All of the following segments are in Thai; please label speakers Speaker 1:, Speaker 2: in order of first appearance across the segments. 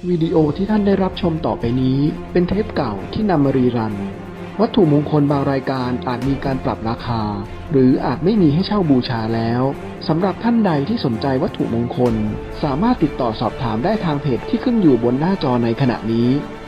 Speaker 1: วิดีโอที่ท่านได้รับชมต่อไปนี้เป็นเทปเก่าที่นำมารีรันวัตถุมงคลบางรายการอาจมีการปรับราคาหรืออาจไม่มีให้เช่าบูชาแล้วสำหรับท่านใดที่สนใจวัตถุมงคลสามารถติดต่อสอบถามได้ทางเพจที่ขึ้นอยู่บนหน้าจอในขณะนี้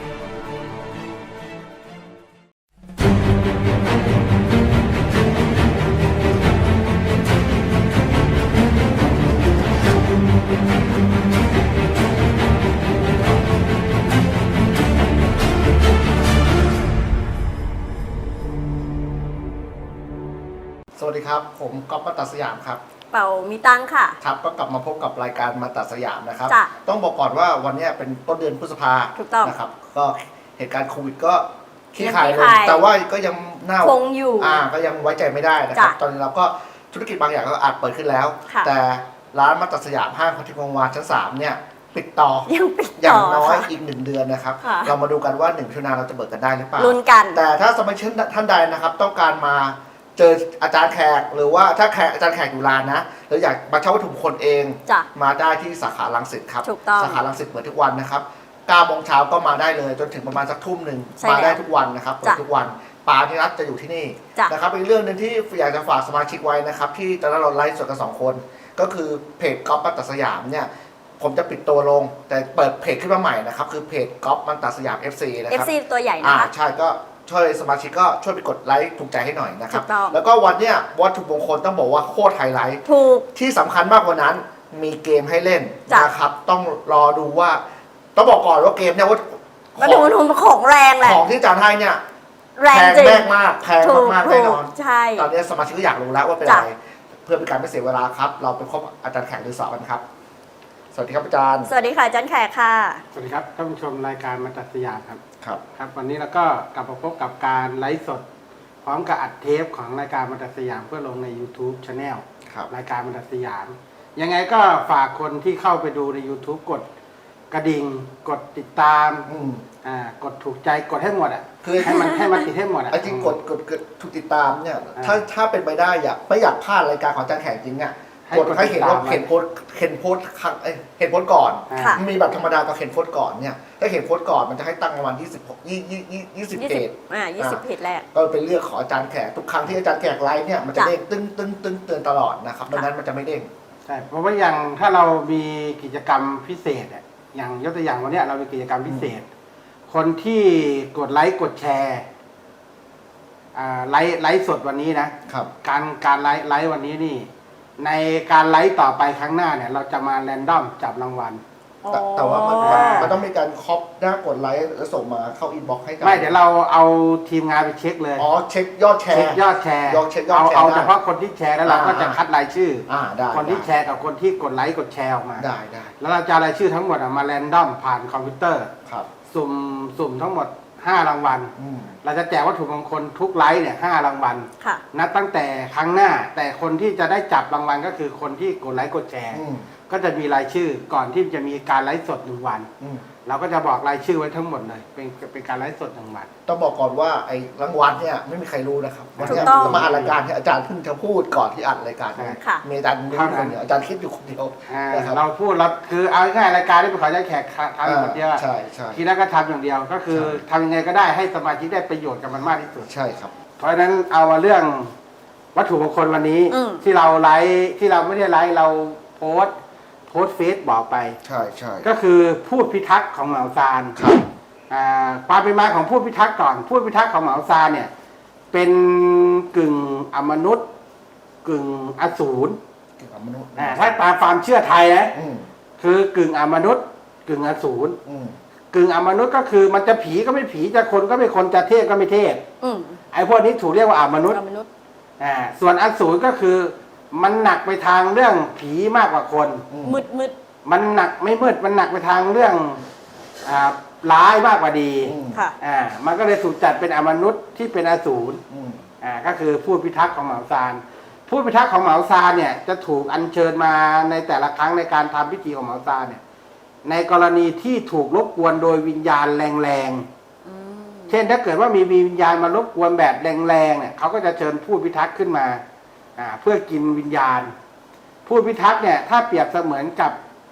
Speaker 2: สวัสดีครับผมก๊อฟมาตัดสยามครับ
Speaker 3: เป่ามีตังค่ะ
Speaker 2: ครับก็กลับมาพบกับรายการมาตัดสยามนะครับ
Speaker 3: จ้ะ
Speaker 2: ต้องบอกก่อนว่าวันนี้เป็นต้นเดือนพฤษภานะครับก็เหตุการณ์โควิดก็คลี่คลายลงแต่ว่าก็ยังน่า
Speaker 3: คงอยู่
Speaker 2: ก็ยังไว้ใจไม่ได้นะครับตอนนี้เราก็ธุรกิจบางอย่างก็อาจเปิดขึ้นแล้วแต่ร้านมาตัดสยามห้างพัทยาวงศ์ชั้น3เนี่ยปิดต่ออย่างน้อยอีก1 เดือนนะครับเรามาดูกันว่า1 มิถุนายนเราจะเปิดกันได้หรือเปล่า
Speaker 3: ลุ้นกัน
Speaker 2: แต่ถ้าสมาชิกท่านใดนะครับต้องการมาเจออาจารย์แขกหรือว่าถ้าอาจารย์แขกอยู่ร้านนะหรืออยากมาเช่าวัตถุมงคลเองมาได้ที่สาขารังสิตครับสาขารังสิตเปิดทุกวันนะครับ9 โมงเช้าก็มาได้เลยจนถึงประมาณสักทุ่มหนึ่งมาได้ทุกวันนะครับเปิดทุกวันป๋าที่นัดจะอยู่ที่นี่นะครับอีกเรื่องหนึ่งที่อยากจะฝากสมาชิกไว้นะครับที่ตอนนั้นเราไลฟ์สดกัน2 คนก็คือเพจก๊อฟมันตัดสยามเนี่ยผมจะปิดตัวลงแต่เปิดเพจขึ้นมาใหม่นะครับคือเพจก๊อฟมันตัดสยาม FC นะครับ
Speaker 3: FC ตัวใหญ่นะคะ
Speaker 2: ใช่ก็ช่วยสมาชิกก็ช่วยไปกดไลค์ถูกใจให้หน่อยนะครับแล้วก็วันเนี้ยวัตถุมงคลต้องบอกว่าโคตรไฮไลท์
Speaker 3: ถูก
Speaker 2: ที่สำคัญมากกว่านั้นมีเกมให้เล่นนะครับต้องรอดูว่าต้องบอกก่อนว่าเกมเนี่ยว่า
Speaker 3: ของแรงแหละ
Speaker 2: ของที่อาจารย์ให้เนี่ย
Speaker 3: แรงจริง
Speaker 2: มากแพงมากแน่นอน
Speaker 3: ใช่
Speaker 2: ตอนนี้สมาชิกก็อยากรู้แล้วว่าเป็นอะไรเพื่อเป็นการไม่เสียเวลาครับเราไปพบอาจารย์แขกหรือสาวกันครับสวัสดีครับอาจารย์
Speaker 3: สวัสดีค่ะอาจารย์แขกค่ะ
Speaker 4: สวัสดีครับท่านผู้ชมรายการมาตัดสยามครับ
Speaker 2: ครับ
Speaker 4: วันนี้เราก็กลับมาพบกับการไลฟ์สดพร้อมกับอัดเทปของรายการมาตัดสยามเพื่อลงใน YouTube Channel รายการมาตัดสยามยังไงก็ฝากคนที่เข้าไปดูใน YouTube กดกระดิ่งกดติดตามกดถูกใจกดให้หมดคือให้มันติดให้หมด
Speaker 2: จริงกดถูกติดตามเนี่ยถ้าเป็นไปได้ไม่อยากพลาดรายการของอาจารย์แขกจริงอ่ะกดให้เห็นว่าเห็นโพสก่อนมีแบบธรรมดากับเห็นโพสก่อนเนี่ยถ้าเห็นโพสก่อนมันจะให้ตั้งประมาณ20เพจ
Speaker 3: 20เพจแรก
Speaker 2: ก็เป็นเรื่องของอาจารย์แขกทุกครั้งที่อาจารย์แขกไลฟ์เนี่ยมันจะเด้งตึ้งเตือนตลอดนะครับดังนั้นมันจะไม่เด้ง
Speaker 4: ใช่เพราะว่าอย่างถ้าเรามีกิจกรรมพิเศษอย่างยกตัวอย่างวันนี้เรามีกิจกรรมพิเศษคนที่กดไลค์กดแชร์ไลฟ์สดวันนี้นะครับการไลฟ์วันนี้นี่ในการไลฟ์ต่อไปครั้งหน้าเนี่ยเราจะมาแรนดอมจับรางวัล
Speaker 2: แต่ว่ามันต้องมีการคอปหน้ากดไลค์แล้วส่งมาเข้าอินบ็อกซ์ให้กัน
Speaker 4: ไม่เดี๋ยวเราเอาทีมงานไปเช็คเลย
Speaker 2: เช็คยอดแชร์
Speaker 4: เอาเฉพาะคนที่แชร์แล้วเราก็จะคัดรายชื่อคนที่แชร์กับคนที่กดไลค์กดแชร์ออกมา
Speaker 2: ได้
Speaker 4: แล้วเราจะรายชื่อทั้งหมดมาแรนดอมผ่านคอมพิวเตอร์สุ่มทั้งหมด5 รางวัลเราจะแจกวัตถุมงคลทุกไลฟ์เนี่ย5 รางวัลนับตั้งแต่ครั้งหน้าแต่คนที่จะได้จับรางวัลก็คือคนที่กดไลค์กดแชร์ก็จะมีรายชื่อก่อนที่จะมีการไลฟ์สด1 วันเราก็จะบอกรายชื่อไว้ทั้งหมดเลยเป็นการไลฟ์สด1 วัน
Speaker 2: ต้องบอกก่อนว่าไอ้รางวัลเนี่ยไม่มีใครรู้นะครับวันนี้เรามาอัดรายการที่อาจารย์เพิ่งจะพูดก่อนที่อัดรายการมีอาจารย์นึกคนเดียวอาจารย์คิดอยู่คนเดียว
Speaker 4: เราพูดเราคือเอาง่ายรายการที่เป็นของอาจารย์แขกทำคนเดียวทีนั้นก็ทำอย่างเดียวก็คือทำยังไงก็ได้ให้สมาชิกได้ประโยชน์กับมันมากที่สุด
Speaker 2: ใช่ครับ
Speaker 4: เพราะฉะนั้นเอามาเรื่องวัตถุมงคลวันนี้ที่เราไลฟ์ที่เราไม่ได้ไลฟ์เราโพสเฟซบอกไป
Speaker 2: ใช่
Speaker 4: ก็คือพูดพิทักษ์ของเหมาซานความเป็นมาของพูดพิทักษ์ก่อนพูดพิทักษ์ของเหมาซานเนี่ยเป็นกึ่งอมนุษย์กึ่งอสูรถ้าตามความเชื่อไทยนะคือกึ่งอมนุษย์กึ่งอสูรกึ่งอมนุษย์ก็คือมันจะผีก็ไม่ผีจะคนก็ไม่คนจะเทพก็ไม่เทพไอ้พวกนี้ถูกเรียกว่าอมนุษย์ส่วนอสูรก็คือมันหนักไปทางเรื่องผีมากกว่าคน
Speaker 3: มืด
Speaker 4: มันหนักไม่มืดมันหนักไปทางเรื่องร้ายมากกว่าดีมันก็เลยถูกจัดเป็นอมนุษย์ที่เป็นอสูรก็คือพูดพิทักษ์ของเหมาซานพูดพิทักษ์ของเหมาซานเนี่ยจะถูกอัญเชิญมาในแต่ละครั้งในการทำพิธีของเหมาซานเนี่ยในกรณีที่ถูกรบกวนโดยวิญญาณแรงๆเช่นถ้าเกิดว่ามีวิญญาณมารบกวนแบบแรงๆเนี่ยเขาก็จะเชิญพูดพิทักษ์ขึ้นมาเพื่อกินวิญญาณพูดพิทักษ์เนี่ยถ้าเปรียบเสมือนกับ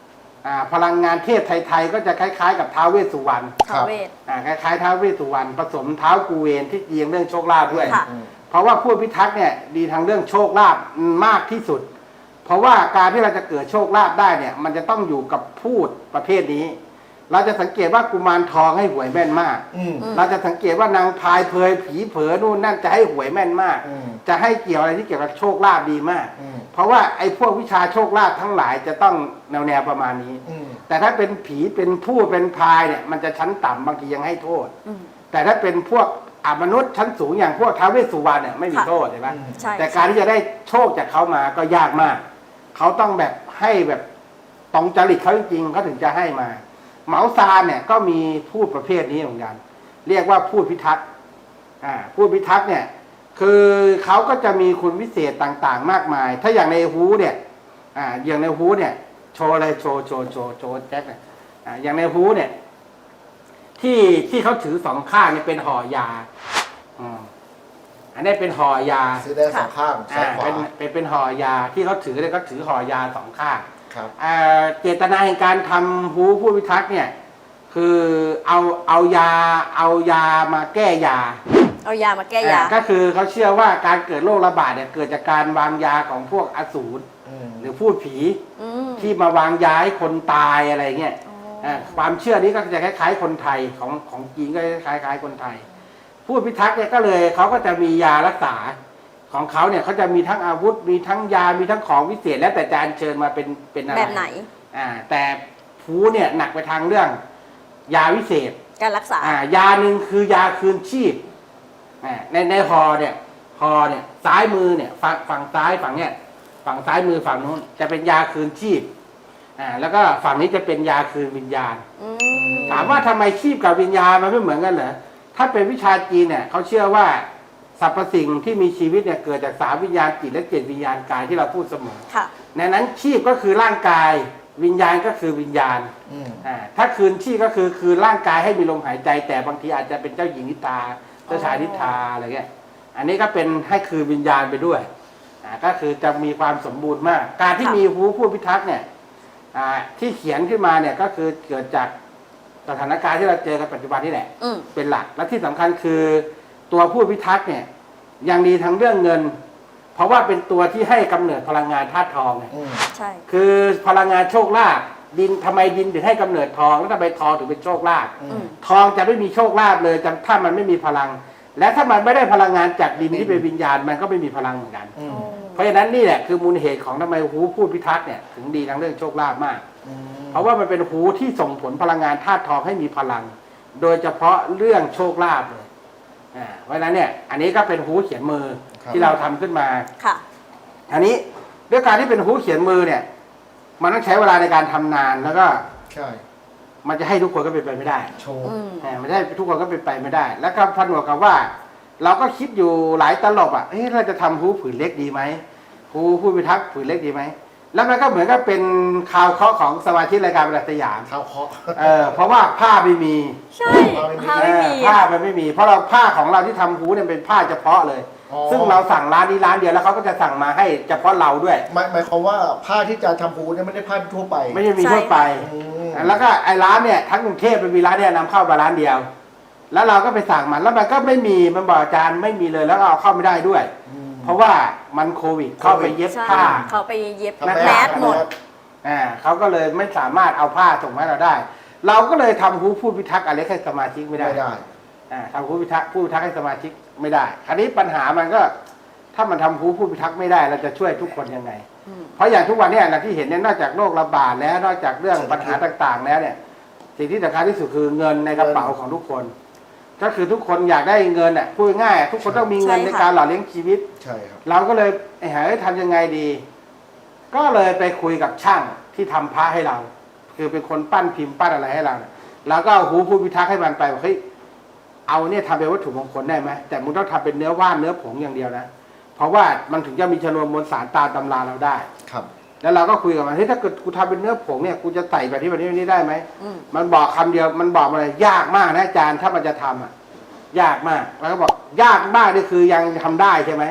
Speaker 4: พลังงานเทพไทยๆก็จะคล้ายๆกับท้าวเวสสุวรรณ
Speaker 3: ท้าวเวส
Speaker 4: คล้ายๆท้าวเวสสุวรรณผสมท้าวกูเวนที่เกี่ยงเรื่องโชคลาภด้วย
Speaker 3: ค่ะ
Speaker 4: เพราะว่าผู้พิทักษ์เนี่ยดีทางเรื่องโชคลาภมากที่สุด เพราะว่าการที่เราจะเกิดโชคลาภได้เนี่ยมันจะต้องอยู่กับพูดประเภทนี้ เราจะสังเกตว่ากุมารทองให้หวยแม่นมาก เราจะสังเกตว่านางพายเพยผีเผลอนู่นนั่นจะให้หวยแม่นมาก จะให้เกี่ยวอะไรที่เกี่ยวกับโชคลาภดีมาก เพราะว่าไอ้พวกวิชาโชคลาภทั้งหลายจะต้องแนวประมาณนี้ แต่ถ้าเป็นผีเป็นพูดเป็นพายเนี่ยมันจะชั้นต่ำบางทียังให้โทษ แต่ถ้าเป็นพวกมนุษย์ชั้นสูงอย่างพวกท้าวเวสสุวรรณเนี่ยไม่มีโทษใช่ไหม
Speaker 3: ใช่
Speaker 4: แต่การที่จะได้โชคจากเขามาก็ยากมาก เขาต้องแบบให้แบบตรงจริตเขาจริงๆเขาถึงจะให้มา เหมาซานเนี่ยก็มีพูดประเภทนี้เหมือนกัน เรียกว่าพูดพิทักษ์พูดพิทักษ์เนี่ยคือเขาก็จะมีคุณวิเศษต่างๆ มากมาย ถ้าอย่างในฮูเนี่ยอย่างในฮูเนี่ยโชว์อะไรโชว์แจ็คเนี่ยอย่างในฮูเนี่ยที่เขาถือสองข้างเนี่ยเป็นห่อยาอันนี้เป็นห่อยา
Speaker 2: ซื้อได้สองข้างซ้ายขวา
Speaker 4: เป็นห่อยาที่เขาถือเนี่ยเขาถือห่อยาสองข้าง
Speaker 2: ครับ
Speaker 4: เจตนาแห่งการทำฮูผู้พิทักษ์เนี่ยคือเอายามาแก้ยา
Speaker 3: เอายามาแก้ยา
Speaker 4: ก็คือเขาเชื่อว่าการเกิดโรคระบาดเนี่ยเกิดจากการวางยาของพวกอสูรหรือพูดผีที่มาวางยาให้คนตายอะไรเงี้ยความเชื่อนี้ก็จะคล้ายๆคนไทยของจีนก็คล้ายๆคนไทย ผู้พิทักษ์เนี่ยก็เลยเขาก็จะมียารักษาของเขาเนี่ยเขาจะมีทั้งอาวุธมีทั้งยามีทั้งของวิเศษแล้วแต่จะอัญเชิญมาเป็นอะไร
Speaker 3: แบบไหน
Speaker 4: แต่ภูเนี่ยหนักไปทางเรื่องยาวิเศษ
Speaker 3: การรักษาย
Speaker 4: าหนึ่งคือยาคืนชีพในฮอเนี่ยซ้ายมือเนี่ยฝั่งซ้ายฝั่งเนี่ยฝั่งซ้ายมือฝั่งนู้นจะเป็นยาคืนชีพแล้วก็ฝั่งนี้จะเป็นยาคืนวิญญาณถามว่าทำไมชีพกับวิญญาณมันไม่เหมือนกันเหรอถ้าเป็นวิชาจีนเนี่ยเขาเชื่อว่าสรรพสิ่งที่มีชีวิตเนี่ยเกิดจาก3วิญญาณจิตและ7วิญญาณกายที่เราพูดเสมอในนั้นชีพก็คือร่างกายวิญญาณก็คือวิญญาณถ้าคืนชีพก็คือร่างกายให้มีลมหายใจแต่บางทีอาจจะเป็นเจ้าหญิงนิทราเจ้าชายนิทราอะไรเงี้ยอันนี้ก็เป็นให้คือวิญญาณไปด้วยก็คือจะมีความสมบูรณ์มาก การที่มีฮูผู้พิทักษ์เนี่ยที่เขียนขึ้นมาเนี่ยก็คือเกิดจากสถานการณ์ที่เราเจอกันปัจจุบันนี่แหละเป็นหลักและที่สำคัญคือตัวผู้พิทักษ์เนี่ยยังดีทั้งเรื่องเงิน เพราะว่าเป็นตัวที่ให้กำเนิดพลังงานธาตุทองไง
Speaker 3: ใช่
Speaker 4: คือพลังงานโชคลาภดินทำไมดินถึงให้กำเนิดทองแล้วทำไมทองถึงเป็นโชคลาภทองจะไม่มีโชคลาภเลยถ้ามันไม่มีพลัง และถ้ามันไม่ได้พลังงานจากดินที่เป็นวิญญาณมันก็ไม่มีพลังเหมือนกันเพราะฉะนั้นนี่แหละคือมูลเหตุของทำไมฮูผู้พิทักษ์เนี่ยถึงดีทั้งเรื่องโชคลาภมากเพราะว่ามันเป็นฮูที่ส่งผลพลังงานธาตุทองให้มีพลัง โดยเฉพาะเรื่องโชคลาภเลยเพราะฉะนั้นเนี่ยอันนี้ก็เป็นฮูเขียนมือที่เราทำขึ้นมา
Speaker 3: ค่ะ
Speaker 4: อันนี้ด้วยการที่เป็นฮูเขียนมือเนี่ยมันต้องใช้เวลาในการทำนานแล้วก็
Speaker 2: ใช่
Speaker 4: มันจะให้ทุกคนก็เป็นไปไม่ได้
Speaker 2: โชว์
Speaker 4: มันจะให้ทุกคนก็เป็นไปไม่ได้ แล้วก็ผนวกกับว่า เราก็คิดอยู่หลายตลบเราจะทำฮูผืนเล็กดีไหมฮูผู้พิทักษ์ผืนเล็กดีไหมแล้วมันก็เหมือนกับเป็นข่าวเคาะของสมาชิกรายการบรรทัดสยาม
Speaker 2: ข่าวเคาะ
Speaker 4: เพราะว่าผ้าไม่มี
Speaker 3: ใช่ผ้าไม่มี
Speaker 4: ผ้ามันไม่มีเพราะเราผ้าของเราที่ทำฮูเนี่ยเป็นผ้าเฉพาะเลยซึ่งเราสั่งร้านนี้ร้านเดียวแล้วเขาก็จะสั่งมาให้เฉพาะเราด้วย
Speaker 2: หมายความว่าผ้าที่จะทำฮูเนี่ยไม่ได้ผ้าทั่วไป
Speaker 4: ไม่ใช่มีทั่วไปแล้วก็ไอ้ร้านเนี่ยทั้งกรุงเทพเป็นมีร้านเนี่ยนำเข้ามาร้านเดียวแล้วเราก็ไปสั่งมันแล้วมันก็ไม่มีมันบอกอาจารย์ไม่มีเลยแล้วเอาเข้าไม่ได้ด้วยเพราะว่ามันโควิดเข้าไปเย็บผ้า
Speaker 3: เขาไปเย็บแมสหมด
Speaker 4: เขาก็เลยไม่สามารถเอาผ้าส่งมาให้เราได้เราก็เลยทำฮูผู้พิทักษ์อะไรให้สมาชิกไม่ได้ทำฮูผู้พิทักษ์ให้สมาชิกไม่ได้คราวนี้ปัญหามันก็ถ้ามันทำฮูผู้พิทักษ์ไม่ได้เราจะช่วยทุกคนยังไงเพราะอย่างทุกวันนี้เราที่เห็นเนี่ยนอกจากโรคระบาดแล้วนอกจากเรื่องปัญหาต่างๆแล้วเนี่ยสิ่งที่สำคัญที่สุดคือเงินในกระเป๋าของทุกคนก็คือทุกคนอยากได้เงินพูดง่ายทุกคนต้องมีเงินในการหล่อเลี้ยงชีวิต
Speaker 2: ใช่ครับ
Speaker 4: เราก็เลยทำยังไงดีก็เลยไปคุยกับช่างที่ทำพระให้เราคือเป็นคนปั้นพิมพ์ปั้นอะไรให้เราแล้วก็เอาฮูผู้พิทักษ์ให้มันไปว่าเฮ้ยเอาเนี่ยทำเป็นวัตถุมงคลได้ไหมแต่มึงต้องทำเป็นเนื้อว่านเนื้อผงอย่างเดียวนะเพราะว่ามันถึงจะมีชนวนมวลสารตามตำราเราได้
Speaker 2: ครับ
Speaker 4: แล้วเราก็คุยกับมันเฮ้ยถ้าเกิดกูทำเป็นเนื้อผงเนี่ยกูจะใส่แบบที่แบบนี้ได้ไหมมันบอกคำเดียวมันบอกมาเลยยากมากนะอาจารย์ถ้ามันจะทำยากมากแล้วก็บอกยากมากนี่คือยังทำได้ใช่ไหม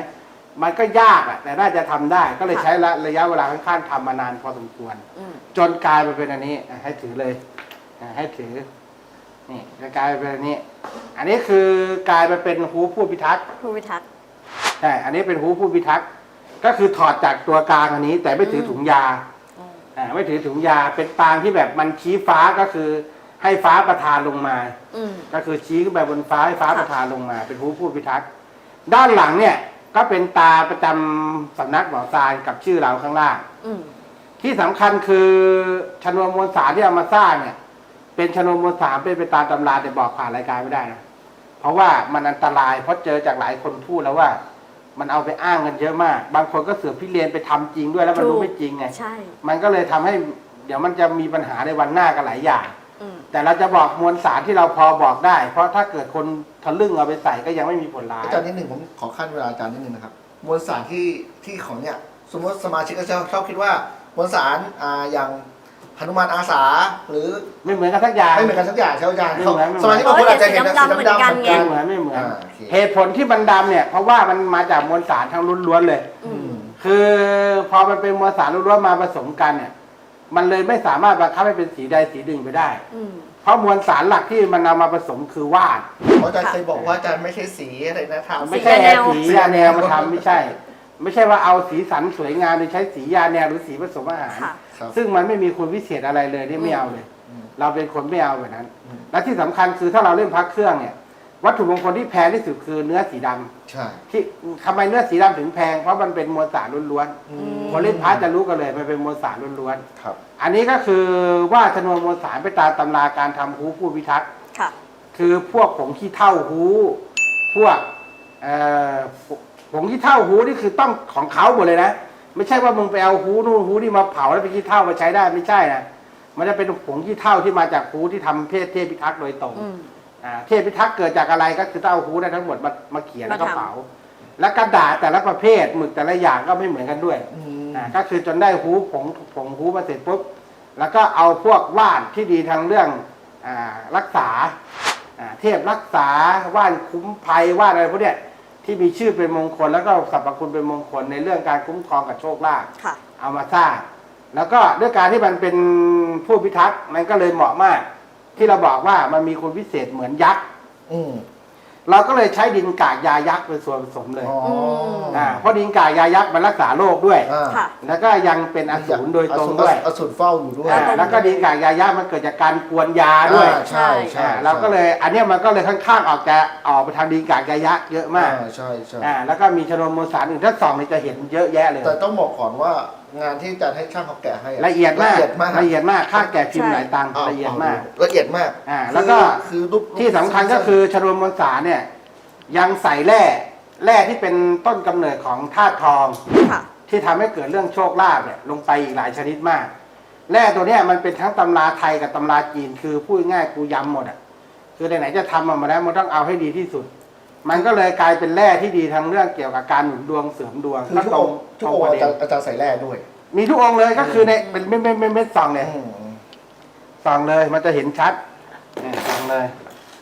Speaker 4: มันก็ยากอะแต่น่าจะทำได้ ก็เลยใช้ระยะเวลาค่อนข้างทำมานานพอสมควร จนกลายมาเป็นอันนี้ให้ถือเลยให้ถือนี่จะกลายเป็นอันนี้ อันนี้คือกลายมาเป็นฮูผู้พิทักษ์
Speaker 3: ผู้พิทักษ์
Speaker 4: ใช่อันนี้เป็นฮูผู้พิทักษ์ก็คือถอดจากตัวกลางอันนี้ แต่ไม่ถือถุงยาไม่ถือถุงยาเป็นปางที่แบบมันชี้ฟ้าก็คือให้ฟ้าประทานลงมาก็คือชี้ขึ้นไปบนฟ้าให้ฟ้าประทานลงมา เป็นฮูผู้พิทักษ์ด้านหลังเนี่ยก็เป็นตาประจำสำนักหมอซานกับชื่อเราข้างล่างที่สำคัญคือชนวนมวลสารที่เอามาสร้างเนี่ยเป็นชนวนมวลสารเป็นไปตามตำราแต่บอกผ่านรายการไม่ได้นะเพราะว่ามันอันตรายเพราะเจอจากหลายคนพูดแล้วว่า มันเอาไปอ้างกันเยอะมากบางคนก็เสือกพิเรียนไปทำจริงด้วยแล้วมันรู้ไม่จริงไงใช่มันก็เลยทำให้เดี๋ยวมันจะมีปัญหาในวันหน้ากันหลายอย่างแต่เราจะบอกมวลสารที่เราพอบอกได้เพราะถ้าเกิดคนทะลึ่งเอาไปใส่ก็ยังไม่มีผลร้าย
Speaker 2: อาจารย์นิดหนึ่งผมขอขั้นเวลาอาจารย์นิดหนึ่งนะครับมวลสารที่ของเนี่ยสมมติสมาชิกก็ชอบคิดว่ามวลสารอย่างหนุมานอาสาหรือ
Speaker 4: ไม่เหมือนกันสักอย่าง
Speaker 2: ไม่เหมือนกันสักอย่างใช่ไหมอาจารย์สมาชิกบางคนอาจจะเห็นสีดำๆเหมือนกัน
Speaker 4: ไม่เหมือนเหตุผลที่มันดำเนี่ยเพราะว่ามันมาจากมวลสารทั้งล้วนๆเลยคือพอมันเป็นมวลสารล้วนๆมาผสมกันเนี่ยมันเลยไม่สามารถบังคับให้เป็นสีใดสีหนึ่งไปได้เพราะมวลสารหลักที่มันนำมาผสมคือว่าน
Speaker 2: อาจารย์เคยบอกว่าอาจารย์ไม่ใช่สีอะไรนะทำ
Speaker 4: ไม่ใช่สียาแนวมาทำไม่ใช่ว่าเอาสีสันสวยงามโดยใช้สียาแนวหรือสีผสมอาหารซึ่งมันไม่มีคุณวิเศษอะไรเลยที่ไม่เอาเลยเราเป็นคนไม่เอาแบบนั้นและที่สำคัญคือถ้าเราเล่นพักเครื่องเนี่ยวัตถุมงคลที่แพงที่สุดคือเนื้อสีดำ
Speaker 2: ใช่
Speaker 4: ที่ทำไมเนื้อสีดำถึงแพงเพราะมันเป็นมวลสารล้วนๆคนเล่นพักจะรู้กันเลยมันเป็นมวลสารล้วนๆอันนี้ก็คือว่าชนวนมวลสารไปตามตำราการทำฮูผู้พิทักษ์คือพวกผงขี้เถ้าฮูพวกผงขี้เถ้าฮูนี่คือต้องของเขาหมดเลยนะไม่ใช่ว่ามึงไปเอาฮูนู่นฮูนี่มาเผาแล้วไปขี้เถ้ามาใช้ได้ไม่ใช่นะมันจะเป็นผงขี้เถ้าที่มาจากฮูที่ทำเทพพิทักษ์โดยตรงเทพพิทักษ์เกิดจากอะไรก็คือเอาฮูได้ทั้งหมดมาเขียนแล้วก็เผาและกระดาษแต่ละประเภทหมึกแต่ละอย่างก็ไม่เหมือนกันด้วยก็คือจนได้ฮูผงฮูมาเสร็จปุ๊บแล้วก็เอาพวกว่านที่ดีทางเรื่องรักษาเทพรักษาว่านคุ้มภัยว่านอะไรพวกเนี้ยที่มีชื่อเป็นมงคลแล้วก็สรรพคุณเป็นมงคลในเรื่องการคุ้มครองกับโชคลาภเอามาสร้างแล้วก็ด้วยการที่มันเป็นผู้พิทักษ์มันก็เลยเหมาะมากที่เราบอกว่ามันมีคุณพิเศษเหมือนยักษ์เราก็เลยใช้ดินกากยายักษ์เป็นส่วนผสมเลยเพราะดินกากยายักษ์มันรักษาโรคด้วยแล้วก็ยังเป็นอสูรโดยตรงด้วย
Speaker 2: อสูรเฝ้าอยู่ด้วย
Speaker 4: แล้วก็ดินกากยายักษ์มันเกิดจากการกวนยาด้วย
Speaker 2: ใช่ใช่
Speaker 4: เราก็เลยอันนี้มันก็เลยค่อนข้างออกไปทางดินกากยายักษ์เยอะมาก
Speaker 2: ใช่ใช่
Speaker 4: แล้วก็มีชนวนมวลสารอื่นถ้าส่องนี่จะเห็นเยอะแยะเลย
Speaker 2: แต่ต้องบอกก่อนว่างานที่อาจารย์ให้ช่างเขาแกะให้
Speaker 4: ละเอียดมากค่าแกะพิมพ์หลายตังค์ละเอียดมากแล้วก็ที่สำคัญก็คือชนวนมวลสารเนี่ยยังใส่แร่ที่เป็นต้นกำเนิดของธาตุทองที่ทำให้เกิดเรื่องโชคลาภเนี่ยลงไปอีกหลายชนิดมากแร่ตัวเนี้ยมันเป็นทั้งตำราไทยกับตำราจีนคือพูดง่ายกูย้ำหมดอ่ะคือไหนๆจะทำมาแล้วมันต้องเอาให้ดีที่สุดมันก็เลยกลายเป็นแร่ที่ดีทั้งเรื่องเกี่ยวกับการหนุนดวงเสริมดวง
Speaker 2: ทุกองค์อาจารย์ใส่แร่ด้วย
Speaker 4: มีทุกองค์เลยก็คือในเป็นเม็ดส่องเนี่ยส่องเลยมันจะเห็นชัดส่องเลย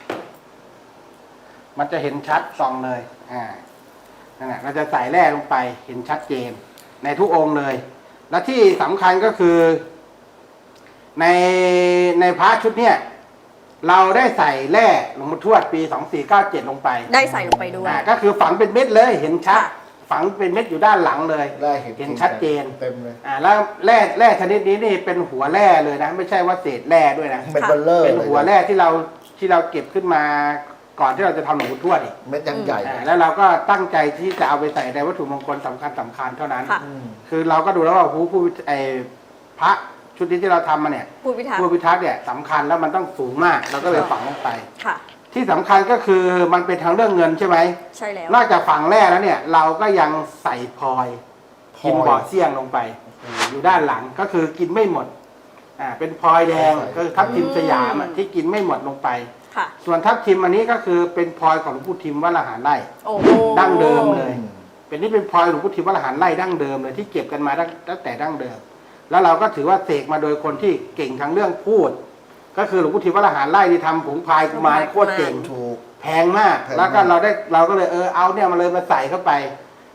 Speaker 4: มันจะเห็นชัดส่องเลยนั่นแหละเราจะใส่แร่ลงไปเห็นชัดเจนในทุกองค์เลย และที่สำคัญก็คือในพระชุดเนี้ยเราได้ใส่แร่หลวงปู่ทวดปี2497ลงไป
Speaker 3: ได้ใส่ลงไปด้วย
Speaker 4: ก็คือฝังเป็นเม็ดเลยเห็นชัดฝังเป็นเม็ดอยู่ด้านหลังเลยเห็นชัดเจน
Speaker 2: เต็มเลย
Speaker 4: แล้วแร่ชนิดนี้นี่เป็นหัวแร่เลยนะไม่ใช่ว่าเศษแร่ด้วยนะเป็นหัวแร่ที่เราเก็บขึ้นมาก่อนที่เราจะทำหลวงปู่ทวดอีก
Speaker 2: เม็ดยังใหญ่
Speaker 4: แล้วเราก็ตั้งใจที่จะเอาไปใส่ในวัตถุมงคลสำคัญเท่านั้นคือเราก็ดูแล้วว่าผู้พระชุดนี้ที่เราทำมาเนี่ยผู้พิทักษ์เนี่ยสำคัญแล้วมันต้องสูงมากเราก็เลยฝังลงไปที่สำคัญก็คือมันเป็นทางเรื่องเงินใช่ไหม
Speaker 3: ใช่แล้วน
Speaker 4: อกจากฝังแร่แล้วเนี่ยเราก็ยังใส่พลอยกินบ่อเสี่ยงลงไปอยู่ด้านหลังก็คือกินไม่หมดเป็นพลอยแดงก็ทับทิมสยามที่กินไม่หมดลงไปส่วนทับทิมอันนี้ก็คือเป็นพลอยของหลวงปู่ทิมวัดละหารไร่ดั้งเดิมเลยเป็นพลอยหลวงปู่ทิมวัดละหารไร่ดั้งเดิมเลยที่เก็บกันมาตั้งแต่ดั้งเดิมแล้วเราก็ถือว่าเสกมาโดยคนที่เก่งทางเรื่องพูดก็คือหลวงปู่ทิมวัดละหารไร่ที่ทำผงพายกุมารโคตรเก่งแพงมากแล้วก็เราก็เลยเอาเนี่ยมาเลยมาใส่เข้าไป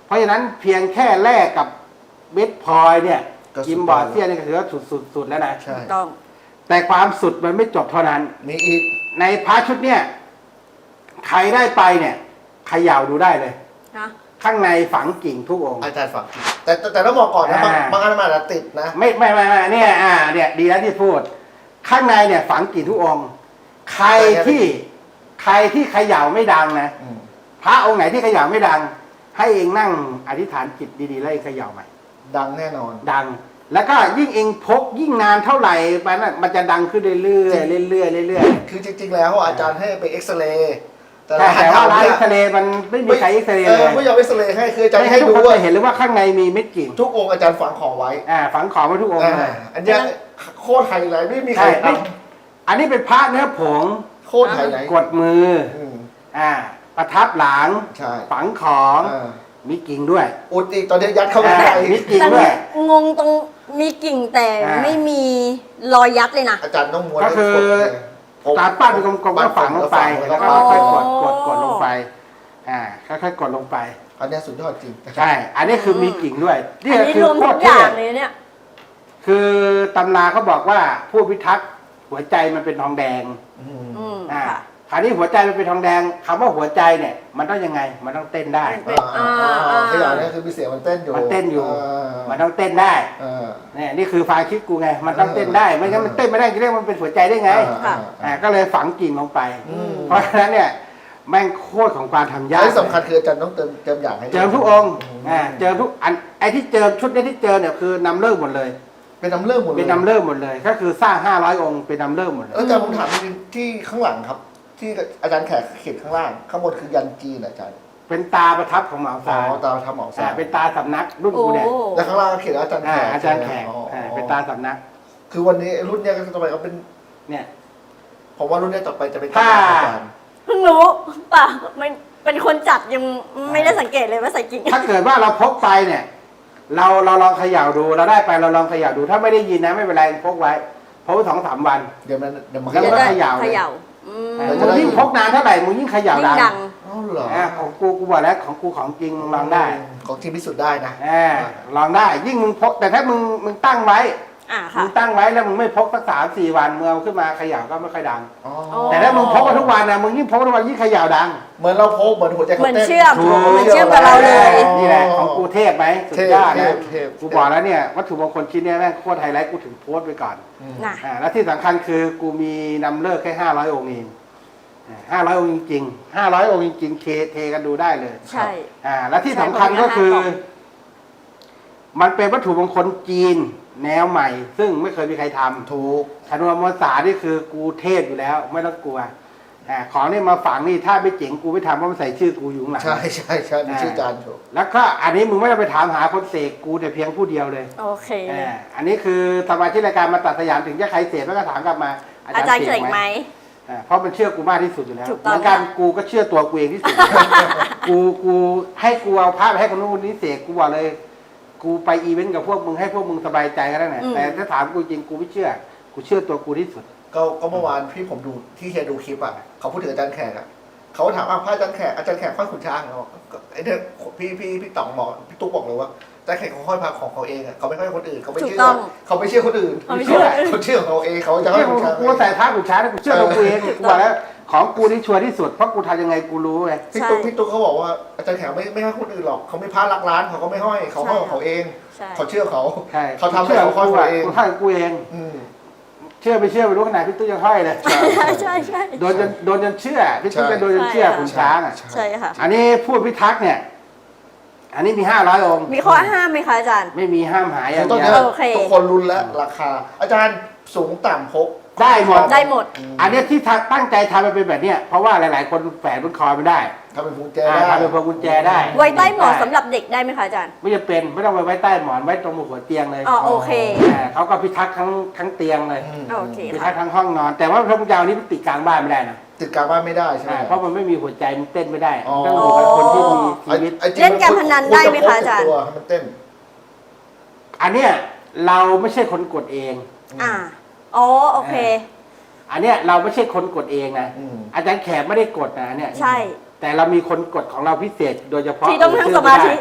Speaker 4: เพราะฉะนั้นเพียงแค่แลกกับเม็ดพลอยเนี่ย
Speaker 2: ก็สุด
Speaker 4: กิมบอร์เซียนนี่ก็ถือว่าสุดแล้วนะ
Speaker 2: ใช่
Speaker 3: ต้อง
Speaker 4: แต่ความสุดมันไม่จบเท่านั้น
Speaker 2: มีอีก
Speaker 4: ในพระชุดเนี่ยใครได้ไปเนี่ยเขย่าดูได้เลย
Speaker 3: นะ
Speaker 4: ข้างในฝังกิ่งทุกองค์
Speaker 2: อาจารย์ฝังแต่ต้องบอกก่อนนะบางอันมันอาจจะติดนะ
Speaker 4: ไม่เนี่ยเนี่ยดีแล้วที่พูด ข้างในเนี่ยฝังกิ่งทุกองค์ ใครที่เขย่าไม่ดังนะ
Speaker 2: อืม
Speaker 4: พระองค์ไหนที่เขย่าไม่ดัง ให้เองนั่งอธิษฐานจิตดีๆแล้วเองเขย่าใหม่
Speaker 2: ดังแน่นอน
Speaker 4: ดัง แล้วก็ยิ่งเองพกยิ่งนานเท่าไหร่มันจะดังขึ้นเรื่อยๆเรื่อยๆเรื่อยๆ
Speaker 2: คือจริง ๆ แล้วอาจารย์ให้ไปเอ็กซเรย์
Speaker 4: แต่ว่าร้านเอ็กซเรย์มันไม่มีใครเอ็กซเรย์เลย
Speaker 2: ไม่ยอมเอ็กซเรย์ให้คืออาจารย์
Speaker 4: ให้
Speaker 2: ให้
Speaker 4: ทุก
Speaker 2: ดู
Speaker 4: คน
Speaker 2: ว่า
Speaker 4: จะเห็นเลยว่าข้างในมีเม็ดกิ่ง
Speaker 2: ทุกองค์อาจารย์ฝังของไว้
Speaker 4: ฝังของไว้ทุกองค์เลย
Speaker 2: อันเนี้ยโคตรไฮไลท์ไม่มีใคร
Speaker 4: ใช่
Speaker 2: ท
Speaker 4: อันนี้เป็นพระเนื้อผง
Speaker 2: ำโคตรไฮไลท์
Speaker 4: กดมือ
Speaker 2: ม
Speaker 4: ประทับหลัง
Speaker 2: ใช่
Speaker 4: ฝังของ
Speaker 2: อ่า
Speaker 4: มีกิ่งด้วย
Speaker 2: อุดอีกตอนนี้ยัดเข้าไป
Speaker 4: มีกิ่ง
Speaker 3: แต่
Speaker 4: ด้วย
Speaker 3: งงตรงมีกิ่งแต่
Speaker 4: อ่า
Speaker 3: ไม่มีรอยยัดเลยนะ
Speaker 2: อาจารย์ต้องม้วน
Speaker 4: ก็คือ ตาปั้นเป็นกลมๆก็ฝังลงไปแล้วก็
Speaker 3: อ๋อ
Speaker 4: ค่อยๆกดลงไปค่อยๆกดลงไป
Speaker 2: อันเนี้ยสุดยอดจริง
Speaker 4: ใช่ อันนี้คือมีกิ่งด้วย
Speaker 3: อันนี้
Speaker 4: คื
Speaker 3: รวมทุกอย่างเลยเนี่ย
Speaker 4: คือตำราเขาบอกว่าผู้พิทักษ์หัวใจมันเป็นทองแดง
Speaker 2: อืม
Speaker 3: อืม
Speaker 4: อ่า
Speaker 3: ค่ะ
Speaker 4: คราวนี้หัวใจมันเป็นทองแดงคำว่าหัวใจเนี่ย มันต้องยังไง มันต้องเต้นได้
Speaker 2: ขยะเนี่ยคือมีเสียงมันเต้นอยู่
Speaker 4: มันเต้นอยู่
Speaker 2: า
Speaker 4: มันต้องเต้นได้
Speaker 2: อ่า
Speaker 4: เนี่ยนี่คือความคิดกูไง มันต้องเต้นได้ ไม่งั้นมันเต้นไม่ได้จะเรียกมันเป็นหัวใจได้ไง ก็เลยฝังกิ่งลงไป
Speaker 2: อืม
Speaker 4: เพราะฉะนั้นเนี่ยแม่งโคตรของความทำยาก
Speaker 2: ที่สำคัญคืออาจารย์ต้องเติมอย่างให้
Speaker 4: เจิมทุกองค์เจิมทุกอันไอ้ที่เจิมชุดนี้ที่เจิมเนี่ยคือนำเลิกหมดเลย
Speaker 2: เป็นน้ำเลื่อมหมดเลย
Speaker 4: เป็นนำเลิกหมดเลย ก็คือสร้าง500องค์เป็นนำเลิกหมดเลย
Speaker 2: แล้วอาจารย์ผมถามจริงๆที่ข้างหลังครับ ที่อาจารย์แขกเขียนข้างล่าง ข้างบนคือยันจีนเหรออาจารย์
Speaker 4: เป็นตาประทับของเหมา
Speaker 2: อ๋
Speaker 4: ซา
Speaker 2: อตาทำหมอสา
Speaker 4: เป็นตาสำนักรุ่น
Speaker 3: โอ้
Speaker 4: กูเนี่ย
Speaker 2: แล้วข้างล่างก็เขียนอาจารย์แขก
Speaker 4: อาจารย์แขก
Speaker 2: อ๋อ
Speaker 4: เป็นตาสำนัก
Speaker 2: คือวันนี้รุ่นเนี้ยก็ต่อไปก็เป็น
Speaker 4: เนี่ย
Speaker 2: ผมว่ารุ่นเนี้ยต่อไปจะเป็น
Speaker 4: ถ้า
Speaker 2: อาจารย์
Speaker 3: เพิ่งรู้ป่ะมันเป็นคนจัดยังไม่ได้สังเกตเลยว่าใส่กิ่ง
Speaker 4: ถ้าเกิดว่าเราพกไปเนี่ย เราลองเขย่าดูเราได้ไปเราลองเขย่าดู ถ้าไม่ได้ยินนะไม่เป็นไรพกไว้พกไว้2-3 วัน
Speaker 2: เดี๋ยวมัน
Speaker 4: แล้วก็ เขย่าเลย
Speaker 3: เขย่าอืม
Speaker 4: มึงยิ่งพกนานเท่าไหร่มึงยิ่งเขย่า
Speaker 3: ยิ่ง
Speaker 4: ดั
Speaker 3: ดั
Speaker 4: ง
Speaker 3: ง
Speaker 2: อ๋อเหรอ
Speaker 4: ของกูบอกแล้วของกูของจริงมึงลองได้
Speaker 2: ของที่พิสูจน์ได้นะ
Speaker 4: ลองได้ ยิ่งมึงพกแต่ถ้ามึงตั้งไว้
Speaker 3: อ่า
Speaker 4: มึ
Speaker 3: ค่ะ
Speaker 4: งตั้งไว้แล้วมึงไม่พกสัก3-4 วันมึงเอาขึ้นมาเขย่าก็ไม่ค่อยดัง
Speaker 2: อ๋อ
Speaker 4: แต่ถ้ามึงพกมาทุกวันนะมึงยิ่งพกทุกวันยิ่งเขย่าดัง
Speaker 2: เหมือนเราพกเหมือนหัวใจ
Speaker 3: เหมือน
Speaker 2: ต้น
Speaker 3: เชื่อม
Speaker 4: ถูก
Speaker 3: เหมือนเชื่อมกับเราเลย
Speaker 4: นี่แหละของกูเทพไหมสุดยอดนะ
Speaker 2: เทพ
Speaker 4: กูบอกแล้วเนี่ยวัตถุมงคลชิ้นเนี้ยแม่งโคตรไฮไลท์กูถึงโพสต์ไปก่อน
Speaker 3: น่ะ
Speaker 4: แล้วที่สำคัญคือกูมีนำเลิกแค่500องค์เอง500องค์จริงๆ500องค์จริงๆเทกันดูได้เลย
Speaker 3: ใช่
Speaker 4: และที่สำคัญก็คือ มันเป็นวัตถุมงคลจีนแนวใหม่ ซึ่งไม่เคยมีใครทำ
Speaker 2: ถูก
Speaker 4: ชนวนมวลสารนี่คือกูเทพอยู่แล้ว ไม่ต้องกลัวของนี่มาฝังนี่ถ้าไม่เจ๋งกูไม่ทำเพราะมันใส่ชื่อกูอยู่ข้างหลัง
Speaker 2: ใช่มีชื่ออาจารย์ถูก
Speaker 4: แล้วก็อันนี้มึงไม่ต้องไปถามหาคนเสกกูแต่เพียงผู้เดียวเลย
Speaker 3: โอเค
Speaker 4: อันนี้คือสมาชิกรายการมาตัดสยามถึงจะใครเสกแล้วก็ถามกลับมา
Speaker 3: อาจารย์เสกไหม
Speaker 4: เพราะมันเชื่อกูมากที่สุดอยู่แล้ว
Speaker 3: ถูก
Speaker 4: เห
Speaker 3: ต้อง
Speaker 4: มือนกันกูก็เชื่อตัวกูเองที่สุด กูให้กูเอาภาพไปให้คนนู้นคนนี้เสกกูบอกเลย กูไปอีเวนต์กับพวกมึงให้พวกมึงสบายใจก็ได้นะแต่ถ้าถามกูจริงกูไม่เชื่อ กูเชื่อตัวกูที่สุด
Speaker 2: ก็เมื่อวานพี่ผมดูที่เฮียดูคลิปอ่ะเขาพูดถึงอาจารย์แขกอ่ะเขาถามพระอาจารย์แขกห้อยขุนช้างเหรอไอ้เนี่ยพี่ต๋องบอกพี่ตุ๊กบอกเลยว่าอาจารย์แขกเขาห้อยพระของเขาเองอ่ะเขาไม่ห้อยคนอื่นเขาไม่เชื่อเขาไม่เชื่อคนอื่นเขาเชื่อของเขาเองเขาจะห้อยขุนช้าง
Speaker 4: กูใส่ผ้าขุนช้างกูเชื่อตัวกูเองกูบอกแล้วของกูนี่ชัวร์ที่สุดเพราะกูทำยังไงกูรู้ไง
Speaker 2: พี่ตุ๊กเขาบอกว่าอาจารย์แขกไม่ห้อยคนอื่นหรอกเขาไม่พระรักร้านเขาก็ไม่ห้อยเขาห้อยของเขาเอง
Speaker 3: ใช่
Speaker 2: เขาเชื่อเขา
Speaker 4: ใช่
Speaker 2: เขาทำให้เขาห้อยตัวเอง
Speaker 4: กูห้อยกูเอง เชื่อไม่เชื่อไม่รู้ขนาดพี่ตุ้ยยังห้อยเลย
Speaker 3: ใช่
Speaker 4: โดนจนเชื่อพี่ตุ้ยจะโดนจนเชื่อขุนช้างอ่ะ
Speaker 3: ใช่ค่ะ
Speaker 4: อันนี้พูดพิทักษ์เนี่ย อันนี้มี500องค์
Speaker 3: มีข้อห้ามไหมคะอาจารย์
Speaker 4: ไม่มีห้ามหายอย่าง
Speaker 2: ต้อง
Speaker 4: เดี
Speaker 2: เนี้
Speaker 4: ย
Speaker 2: ยว
Speaker 3: โอเค
Speaker 2: ทุกคนรุนแล้วราคา อาจารย์สูงต่ำพก
Speaker 4: ได้หมด
Speaker 3: ได้หมด
Speaker 4: อันนี้ที่ตั้งใจทำมันเป็นแบบเนี้ยเพราะว่าหลายๆ คนแฝงบนคอไม่ได้
Speaker 2: ทำเป็นพวงแจได้
Speaker 4: ทำเป็นพวงกุญแจได้
Speaker 3: ไว้ใต้หมอนสำหรับเด็กได้ไหมคะอาจารย์
Speaker 4: ไม่จะเป็นไม่ต้องไปไว้ใต้หมอนไว้ตรงหัวเตียงเลย
Speaker 3: อ๋อโอเค
Speaker 4: เขาก็พิทักษ์ทั้งเตียงเลย
Speaker 3: โอเค
Speaker 4: พิทั
Speaker 3: ค่ะ
Speaker 4: กษ์ทั้งห้องนอน แต่ว่าพระพุทธเจ้านี้ติดกลางบ้านไม่ได้นะ
Speaker 2: ติดกลางบ้านไม่ได้ใช่ไหม
Speaker 4: เพราะมันไม่มีหัวใจมันเต้นไม่ได้
Speaker 2: อ๋อ
Speaker 4: ต้องอยู่กับคนที่มีชีวิต
Speaker 3: เล่นการพนันได้ไหมคะอาจารย์
Speaker 2: ตัวให้มันเต้น
Speaker 4: อันเนี้ยเราไม่ใช่คนกดเอง
Speaker 3: อ่าอ๋อโอเค
Speaker 4: อันเนี้ยเราไม่ใช่คนกดเองนะ
Speaker 2: อืม
Speaker 4: อาจารย์แขกไม่ได้กดนะเนี่ย
Speaker 3: ใช่
Speaker 4: แต่เรามีคนกดของเราพิเศษโดยเฉพาะ
Speaker 3: ที่ต้องนั่งสมาธิ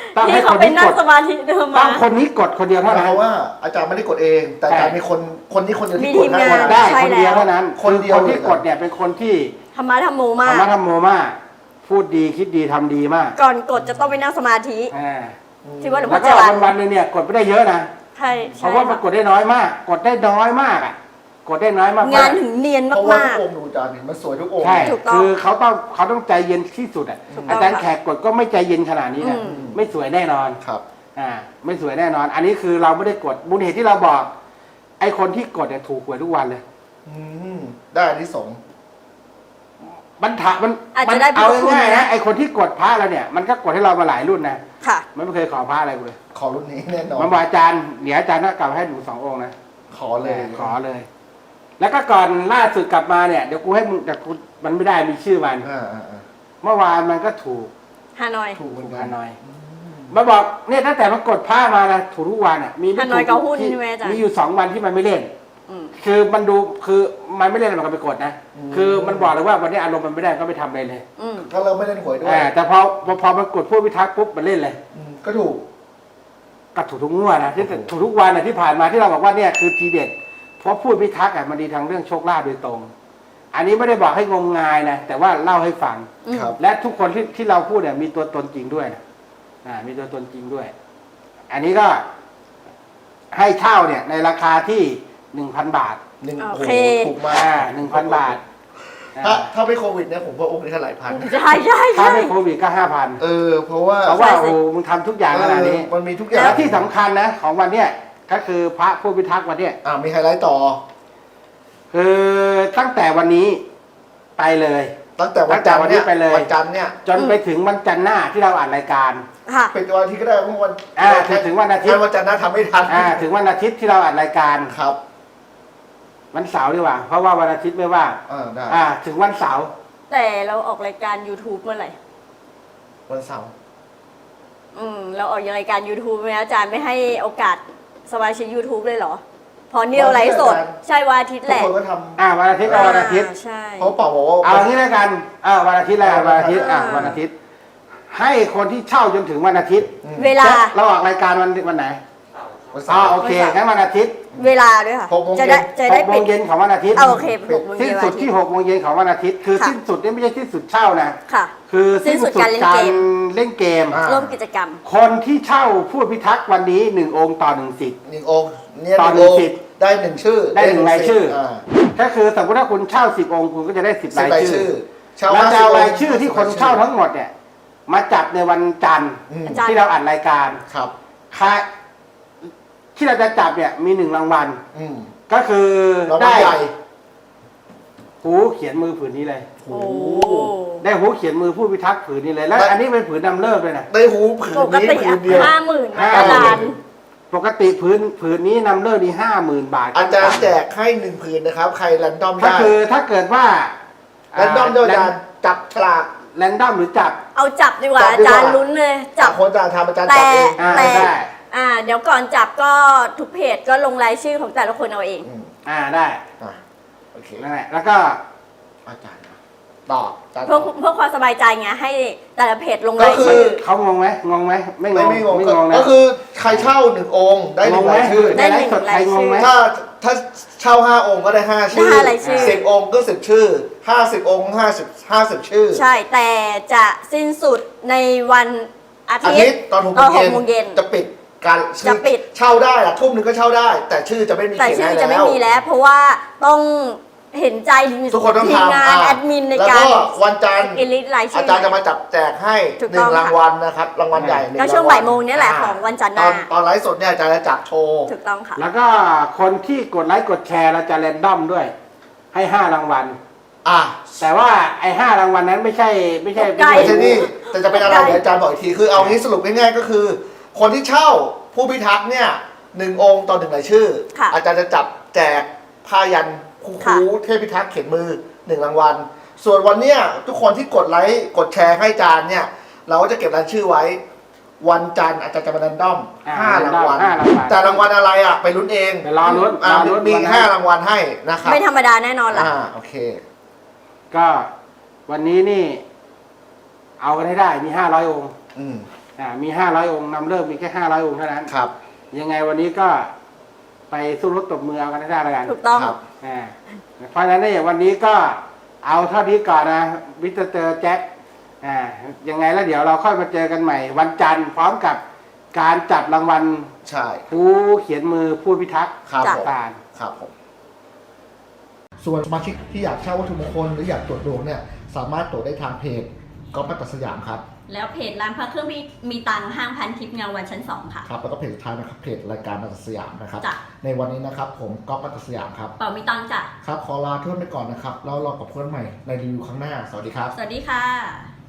Speaker 4: ต้องให้
Speaker 3: ที่
Speaker 4: ค
Speaker 3: เขา
Speaker 4: น
Speaker 3: ไป
Speaker 4: นี้
Speaker 3: นั่
Speaker 4: ก
Speaker 3: ง
Speaker 4: ด
Speaker 3: สมาธิเดิม
Speaker 4: ต้
Speaker 3: มา
Speaker 4: องคนนี้กดคนเดียว
Speaker 2: ห
Speaker 4: เท่า
Speaker 2: มา
Speaker 4: นั้
Speaker 2: ย
Speaker 4: น
Speaker 2: ความว่าอาจารย์ไม่ได้กดเอง แต่อาจารย์มีคนนี้คนเดียวที่กด
Speaker 3: มีทีมงาน
Speaker 4: กดได้
Speaker 3: ใช่
Speaker 4: คนเดียว
Speaker 3: แล้ว
Speaker 4: เท่านั้น
Speaker 2: คนเดียว
Speaker 4: คนที่กดเนี่ยเป็นคนที่
Speaker 3: ธรรมะธรรมโมมา
Speaker 4: ธร
Speaker 3: ก
Speaker 4: รมะธรรมโมมากพูดดีคิดดีทำดีมาก
Speaker 3: ก่อนกดจะต้องไปนั่งสมาธิ
Speaker 4: อ่า
Speaker 3: ที่ว่าหลวง
Speaker 4: แล้
Speaker 3: พ่
Speaker 4: ว
Speaker 3: อ
Speaker 4: ก็
Speaker 3: จรัญ
Speaker 4: วันๆนึงเนี่ยกดไม่ได้เยอะนะ
Speaker 3: ใช่
Speaker 4: เพราะว่ามันกดได้น้อยมาก กดได้น้อยมากอ่ะกดได้น้อยมาก
Speaker 3: งานถึงเนียน
Speaker 2: เพราะว่า
Speaker 3: มา
Speaker 2: ทุ
Speaker 3: ก
Speaker 2: กองค์ดูอาจารย์นี่มันสวยทุกองค์
Speaker 4: ใช่
Speaker 3: ถูกต้อง
Speaker 4: คือเขาต้องใจเย็นที่สุดอ่ะ
Speaker 3: ถูกต้อง
Speaker 4: อาจารย์แขกกดก็ไม่ใจเย็นขนาดนี้นะ
Speaker 3: อืม
Speaker 4: ไม่สวยแน่นอน
Speaker 2: ครับ
Speaker 4: ไม่สวยแน่นอน อันนี้คือเราไม่ได้กดมูลเหตุที่เราบอก ไอ้คนที่กดเนี่ยถูกหวยทุกวันเลย
Speaker 2: อืมได้อานิสงส์
Speaker 4: มันถามัน
Speaker 3: อาจ
Speaker 4: มั
Speaker 3: จะได้
Speaker 4: เอา
Speaker 3: บุญคุณ
Speaker 4: ง่ายๆ
Speaker 3: นะ
Speaker 4: นะไอ้คนที่กดพระเราเนี่ยมันก็กดให้เรามาหลายรุ่นนะ
Speaker 3: ๆค่ะ
Speaker 4: มันไม่เคยขอพระอะไรกูเลย
Speaker 2: ขอรุ่นนี้แน่นอน
Speaker 4: มันบอกอาจารย์เดี๋ยวอาจารย์ก็กลับมาให้หนู2 องค์นะ
Speaker 2: ขอเลย
Speaker 4: ขอเลย แล้วก็ก่อนล่าสุดกลับมาเนี่ยเดี๋ยวกูให้มึงแต่กูมันไม่ได้มีชื่อมัน เมื่อวานมันก็ถูก
Speaker 3: ฮานอย
Speaker 2: ถูกเหมือนกั
Speaker 4: ฮาน นอยมาบอกเนี่ยตั้งแต่มันกดผ้ามานะถูกทุกวันอ่ะมีไม่
Speaker 3: ฮานอย
Speaker 4: ถู
Speaker 3: กับหุ้น
Speaker 4: ที่
Speaker 3: ใช่ไหมอาจารย์
Speaker 4: มีอยู่2 วันที่มันไม่เล่น
Speaker 3: อืม
Speaker 4: คือมันดูคือมันไม่เล่นมันก็ไปกดนะคือมันบอกเลยว่าวันนี้อารมณ์มันไม่ได้ก็ไปทำอะไรเลย
Speaker 3: อืม
Speaker 2: ก็เราไม่เล่นหวยด้วย
Speaker 4: แต่พอมันกดพวกพิทักษ์ปุ๊บมันเล่นเลย
Speaker 2: ก็ถูก
Speaker 4: ก็ถูกทุกงวดนะที่ถูกทุกวันนะที่ผ่านมาที่เราบอกว่าเนี่ยคือทีเด็ดเพราะพูดพิทักษ์มันดีทางเรื่องโชคลาภโดยตรง อันนี้ไม่ได้บอกให้งมงายนะแต่ว่าเล่าให้ฟัง
Speaker 3: อืม
Speaker 2: ครับ
Speaker 4: และทุกคนที่เราพูดเนี่ยมีตัวตนจริงด้วยนะมีตัวตนจริงด้วย อันนี้ก็ให้เช่าเนี่ยในราคาที่ 1,000 บาท
Speaker 3: โอเค
Speaker 2: ถูกมาก
Speaker 4: 1,000 บาท
Speaker 2: ถ้าไม่โควิดเนี่ยผมว่าองค์นี้เท่าไหร่พัน
Speaker 3: ใช่ใช่
Speaker 4: ถ้า
Speaker 3: ใช่
Speaker 4: ไม่โควิดก็ 5,000
Speaker 2: เพราะว่า
Speaker 4: เพราะว่า
Speaker 3: ใช่สิ
Speaker 4: โอ้โหมึงทำทุกอย่างขนาดนี้
Speaker 2: มันมีทุกอย่าง
Speaker 4: และที่สำคัญนะของวันเนี้ยก็คือพระผู้พิทักษ์วันเนี้ย
Speaker 2: มีไฮไลท์ต่อ
Speaker 4: คือตั้งแต่วันนี้ไปเลย
Speaker 2: ตั้งแต่วันจันทร์เนี่ย
Speaker 4: ตั้งแต่วันนี้ไปเลย
Speaker 2: วันจันทร์เนี่ย
Speaker 4: จนไปถึงวันจันทร์หน้าที่เราอ่านรายการ
Speaker 3: ค่ะ
Speaker 2: เป็นวันที่ก็ได้เมื่อวัน
Speaker 4: ถึงวันอาทิตย์
Speaker 2: วันจันทร์หน้าทำไม่ทัน
Speaker 4: ถึงวันอาทิตย์ที่เราอ่านรายการ
Speaker 2: ครับ
Speaker 4: วันเสาร์ดีกว่า เพราะว่าวันอาทิตย์ไม่ว่าง
Speaker 2: ได้
Speaker 4: ถึงวันเสาร์
Speaker 3: แต่เราออกรายการ YouTube เมื่อไหร่
Speaker 2: วันเสาร์
Speaker 3: เราออกรายการ YouTube ไหมอาจารย์ไม่ให้โอกาสสมาชิก YouTube เลยเหรอ พอเนี่ยเราไลฟ์สด ใช่วันอาทิตย์
Speaker 2: ทุ
Speaker 3: แห
Speaker 2: ก
Speaker 3: ละ
Speaker 2: คนก็ท
Speaker 4: วันอาทิตย์ก็วันอาทิตย์
Speaker 3: ใช่
Speaker 2: ำเพราะเป่าบอกว่า
Speaker 4: เอางี้แล้วกันวันอาทิตย์แล้วกันวันอาทิตย์
Speaker 3: อ่า
Speaker 4: วันอาทิตย์ ให้คนที่เช่าจนถึงวันอาทิตย์
Speaker 3: เวลา
Speaker 4: เราออกรายการวันไหน
Speaker 2: วันเสาร์
Speaker 4: โอเคงั้นวันอาทิตย์
Speaker 3: เวลาด้วยค่ะ
Speaker 2: 6 โมงเย็น
Speaker 3: จะได้
Speaker 4: 6 โม
Speaker 3: ปิ
Speaker 4: ง
Speaker 3: ด
Speaker 4: เย็นของวันอาทิตย์
Speaker 3: โอเค6 โมงเย็
Speaker 4: สิ้น
Speaker 3: น
Speaker 4: สุ
Speaker 3: วั
Speaker 4: ด
Speaker 3: นอาทิต
Speaker 4: ที่
Speaker 3: ย์
Speaker 4: 6 โมงเย็นของวันอาทิตย์คือ
Speaker 3: ค่ะ
Speaker 4: สิ้นสุดนี่ไม่ใช่สิ้นสุดเช่านะ
Speaker 3: ค่ะ
Speaker 4: คือ
Speaker 3: สิ้นสุดการเล่นเกม
Speaker 4: เล่นเกม
Speaker 2: อ่า
Speaker 3: ร่วมกิจกรรม
Speaker 4: คนที่เช่าพูดพิทักษ์วันนี้1 องค์ต่อ1 สิทธิ์
Speaker 2: 1 องค์เนี่ย
Speaker 4: ต่อ
Speaker 2: 1 องค์
Speaker 4: สิทธิ์
Speaker 2: ได้1 ชื่อ
Speaker 4: ได้1 รายชื่อ
Speaker 2: า
Speaker 4: ก็คือสมมติถ้าคุณเช่า10 องค์คุณก็จะได้10
Speaker 2: 10
Speaker 4: ราร
Speaker 2: าย ย
Speaker 4: ชื่
Speaker 2: ชื่
Speaker 4: อ
Speaker 2: อเช่า
Speaker 4: แล้วจะเอา
Speaker 2: 50
Speaker 4: รายชื่อที่คนเช่าทั้งหมดเนี่ยมาจับในวันจันทร์
Speaker 3: อาจารย์
Speaker 4: ที่เราอัดรายการ
Speaker 2: ครับ
Speaker 4: ค่าที่เราจะจับเนี่ยมี1 รางวัล
Speaker 2: อืม
Speaker 4: ก็คือ
Speaker 2: รางวัล
Speaker 4: ได้
Speaker 2: ใหญ่
Speaker 4: หูเขียนมือผืนนี้เลย
Speaker 2: โอ้
Speaker 3: โอ้
Speaker 2: โห
Speaker 4: ได้หูเขียนมือผู้พิทักษ์ผืนนี้เลย แล้ว
Speaker 2: ได้
Speaker 4: อันนี้เป็นผืนนำเลิกเลยนะ
Speaker 2: ได้หูผืน
Speaker 3: ปก
Speaker 2: นี้
Speaker 3: ติ
Speaker 2: ผืนเดียว
Speaker 3: 50,000
Speaker 4: ห้า
Speaker 3: อา
Speaker 4: หมื่น
Speaker 3: จารย์
Speaker 4: ปกติผืนนี้นำเลิกนี่50,000 บาท
Speaker 2: อาจารย์แจกให้1 ผืนนะครับ ใครแรนดอม
Speaker 4: ก็
Speaker 2: ได้
Speaker 4: คือถ้าเกิดว่า
Speaker 2: แรนดอมด้วยอาจารย์จับฉลาก
Speaker 4: แรนดอมหรือจับ
Speaker 3: เอาจับดีกว่า
Speaker 2: จับ
Speaker 3: อา
Speaker 2: ดีกว่า
Speaker 3: จารย์ลุ้นเลยจับ
Speaker 2: คนอาจารย์ทำอาจารย์
Speaker 3: แต่
Speaker 2: จับเอง
Speaker 3: แต่
Speaker 4: ได้
Speaker 3: เดี๋ยวก่อนจับก็ทุกเพจก็ลงรายชื่อของแต่ละคนเอาเอง
Speaker 4: ได้
Speaker 2: โอเค
Speaker 4: นั่นแหละแล้วก็
Speaker 2: อาจารย์ตอบอาจารย์
Speaker 3: เพื่อ
Speaker 2: ตอบ
Speaker 3: เพื่อความสบายใจไงให้แต่ละเพจลง
Speaker 2: ก็
Speaker 3: ราย
Speaker 2: คื
Speaker 3: ชื่อ
Speaker 4: เขางงไหมงงไหมไม่งง
Speaker 2: ไม่งง
Speaker 4: ไม่งงนะ
Speaker 2: ก็คือใครเช่า1 องค์ได้
Speaker 4: งง
Speaker 2: 1
Speaker 4: ไหม
Speaker 2: รายชื่อ
Speaker 3: ได้
Speaker 4: ในไลฟ์สดใคร
Speaker 3: 1
Speaker 4: งงไหม
Speaker 2: ถ้าเช่า5 องค์ก็ได้5 ชื่อ
Speaker 3: ได้5 รายชื่อ
Speaker 2: 10 องค์ก็10 ชื่อ50 องค์50 ชื่อ
Speaker 3: ใช่แต่จะสิ้นสุดในวันอา
Speaker 2: อา
Speaker 3: ทิ
Speaker 2: ทิ
Speaker 3: ต
Speaker 2: ต
Speaker 3: ย์
Speaker 2: ย์ตอน
Speaker 3: ก็
Speaker 2: 6
Speaker 3: 6 โมงเย็น
Speaker 2: จะปิดการชื่อ
Speaker 3: จะปิด
Speaker 2: เช่าได้อะทุ่มหนึงก็เช่าได้ แต่ชื่อจะไม่มี
Speaker 3: แต่
Speaker 2: เขียน
Speaker 3: ชื่อ
Speaker 2: ให้
Speaker 3: จะไม่
Speaker 2: แล้ว
Speaker 3: มีแล้ว เพราะว่าต้องเห็นใจ
Speaker 2: ทุกคนต้อง
Speaker 3: ทีม
Speaker 2: ทำ
Speaker 3: งานแอดมินใน
Speaker 2: แล้ว
Speaker 3: การ
Speaker 2: ก็วันจันทร์
Speaker 3: อิลิทรายชื่
Speaker 2: อาจารย์จะมาจับแจกให้
Speaker 3: ถูกต้อง
Speaker 2: 1 รางวัลนะครับรางวัลใหญ่1
Speaker 3: ก็ช่วง
Speaker 2: รวัล
Speaker 3: บ่ายโมงเนี่ยแหละของวันจันทร์หน้า
Speaker 2: ตอนไลฟ์สดเนี่ยอาจารย์จะจับโชว์
Speaker 3: ถูกต้องค่ะ
Speaker 4: แล้วก็คนที่กดไลค์กดแชร์เราจะแรนดอมด้วย ให้5 รางวัล แต่ว่าไอ้5 รางวัลนั้นไม่ใช่
Speaker 2: ไม่ใช่นี่แต่จะเป็นอะไรเดี๋ยวอาจารย์บอกอีกทีคือเอางี้สรุปง่ายๆก็คือ คนที่เช่าผู้พิทักษ์เนี่ย1 องค์ต่อ1 รายชื่อ
Speaker 3: ค่ะ
Speaker 2: อาจารย์จะจับแจกผ้ายันคู
Speaker 3: ค่ะ
Speaker 2: เทพพิทักษ์เขียนมือ1 รางวัลส่วนวันเนี้ยทุกคนที่กดไลค์กดแชร์ให้อาจารย์เนี่ยเราก็จะเก็บรายชื่อไว้ วันจันทร์อาจารย์จะมาแรนดอม5 รางวัล
Speaker 4: 5 รางวัล
Speaker 2: แต่รางวัลอะไรไปลุ้นเอง
Speaker 4: ไปรอลุ้น
Speaker 2: มี
Speaker 4: วันนั้น
Speaker 2: 5 รางวัลให้นะครับ
Speaker 3: ไม่ธรรมดาแน่นอนล่ะ
Speaker 2: โอเค
Speaker 4: ก็วันนี้นี่ เอากันให้ได้มี500 องค์
Speaker 2: อืม
Speaker 4: มี500 องค์นำเลิกมีแค่500 องค์เท่านั้น
Speaker 2: ครับ
Speaker 4: ยังไงวันนี้ก็ไปสู้รบตบมือเอากันให้ได้แล้วกัน
Speaker 3: ถูกต้อง
Speaker 2: ครับ
Speaker 4: เพราะฉะนั้นเนี่ยวันนี้ก็เอาเท่านี้ก่อนนะมิสเตอร์แจ็คยังไงแล้วเดี๋ยวเราค่อยมาเจอกันใหม่ วันจันทร์พร้อมกับการจับรางวัล
Speaker 2: ใช่
Speaker 4: ผู้เขียนมือผู้พิทักษ์
Speaker 2: ครับผม
Speaker 4: การ
Speaker 2: ครับผม ส่วนสมาชิกที่อยากเช่าวัตถุมงคลหรืออยากตรวจดวงเนี่ยสามารถตรวจได้ทางเพจก๊อฟมัตตสยามครับ
Speaker 3: แล้วเพจร้านพระเครื่องมีตังค์ห้างพันทิพย์เงาวันชั้น 2 ค่ะ
Speaker 2: ครับแล้วก็เพจสุดท้ายนะครับเพจรายการมัตตสยามนะครับ
Speaker 3: จ้ะ
Speaker 2: ในวันนี้นะครับผมก๊อฟมัตตสยามครับ
Speaker 3: เป่ามีตังค์จ้ะ
Speaker 2: ครับขอลาเพื่อนไปก่อนนะครับแล้วรอกับเพื่อนใหม่ในรีวิวครั้งหน้าสวัสดีครับ
Speaker 3: สวัสดีค่ะ